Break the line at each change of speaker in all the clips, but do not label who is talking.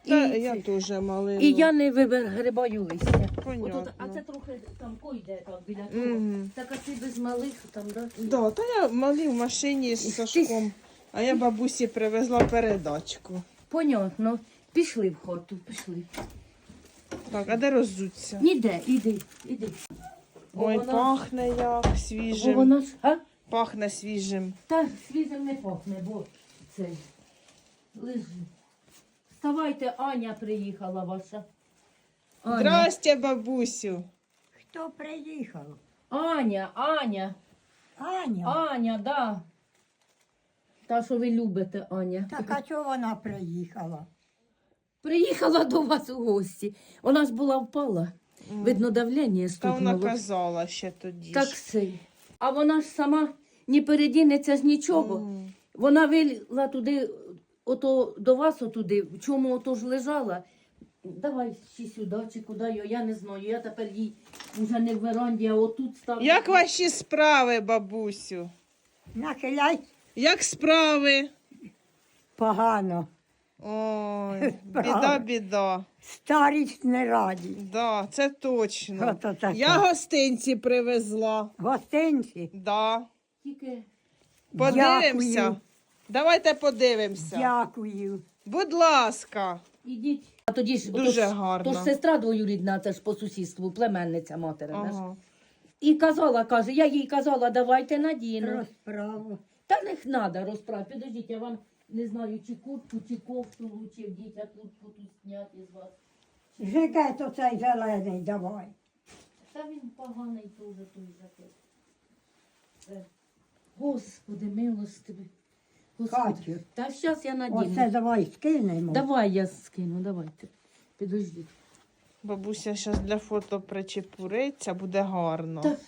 Та я теж малину.
І я не вигрибаю листя.
Понятно.
Отут, а це трохи там койде так біля того. Так а ти без малих там, да?
Да, та я малі в машині з Сашком, а я бабусі привезла передачку.
Понятно. Пішли в хату, пішли.
Так, а де роззуться?
Ніде, іди. Бо
Ой,
вона-
пахне як
Бо
свіжим.
вона ж, а?
Пахне свіжим.
Та світом не пахне, бо цей. Лежи. Вставайте, Аня приїхала ваша. Аня.
Здрасте, бабусю.
Хто приїхав?
Аня,
Аня.
да. Та, що ви любите, Аня.
Так а чого вона приїхала?
Приїхала до вас у гості. Вона ж була впала. Видно, давлення
Та вона
стукнуло.
казала ще тоді.
Так
ж.
сей. А вона ж сама не передінеться з нічого. Вона вилізла туди, ото до вас отуди, в чому ото ж лежала. Давай чи сюди, чи куди, я не знаю. Я тепер їй вже не в веранді, а отут ставлю.
Як ваші справи, бабусю?
Нахиляй
Як справи?
погано.
Ой,
Справи.
біда.
Старість не раді.
Да, це точно.
Ото таке.
Я гостинці привезла.
Гостинці.
Да.
Тільки
Подивимося.
Дякую.
Давайте подивимося.
Дякую.
Будь ласка.
ідіть. А тоді ж
Дуже
ото ж-
гарно.
То ж сестра двоюрідна, це ж по сусідству, племенниця материна. ж.
Ага.
І казала, каже, я їй казала, давайте надіну.
Розправу.
Та не треба розправити. Підождіть, я вам не знаю, чи куртку, чи кофту лучше вдіть, а куртку тут зняти з вас.
Жикет оцей зелений давай.
Та він поганий теж той жакет. Господи, милостивий. Господи.
Катю.
Та зараз я надіну.
Оце давай скинемо.
Давай я скину, давайте. Підождіть.
Бабуся зараз для фото причепуриться, буде гарно.
Та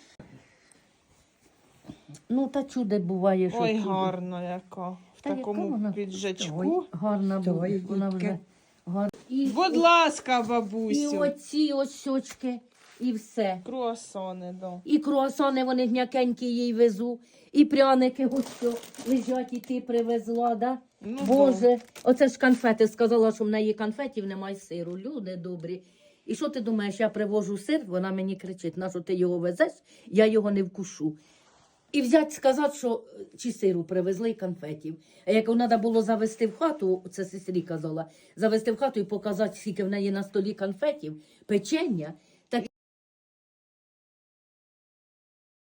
Ну, та чуде буває, що
Ой,
чудо.
гарно яка. В
Та яка
такому
вона?
піджачку.
Ой.
Гарна буде,
Стой,
вона
дітки.
вже гарна. І,
Будь ласка,
і
бабусю.
оці ось щочки, і все.
Круасани, да.
І круасани вони м'якенькі їй везу, і пряники ось що лежать, і ти привезла, да?
Ну,
Боже, оце ж конфети. Сказала, що в неї конфетів немає сиру. Люди добрі. І що ти думаєш, я привожу сир, вона мені кричить, на що ти його везеш, я його не вкушу. І взять сказати, що чи сиру привезли і конфетів. А як треба було завести в хату, це сестрі казала, завести в хату і показати, скільки в неї на столі конфетів, печення,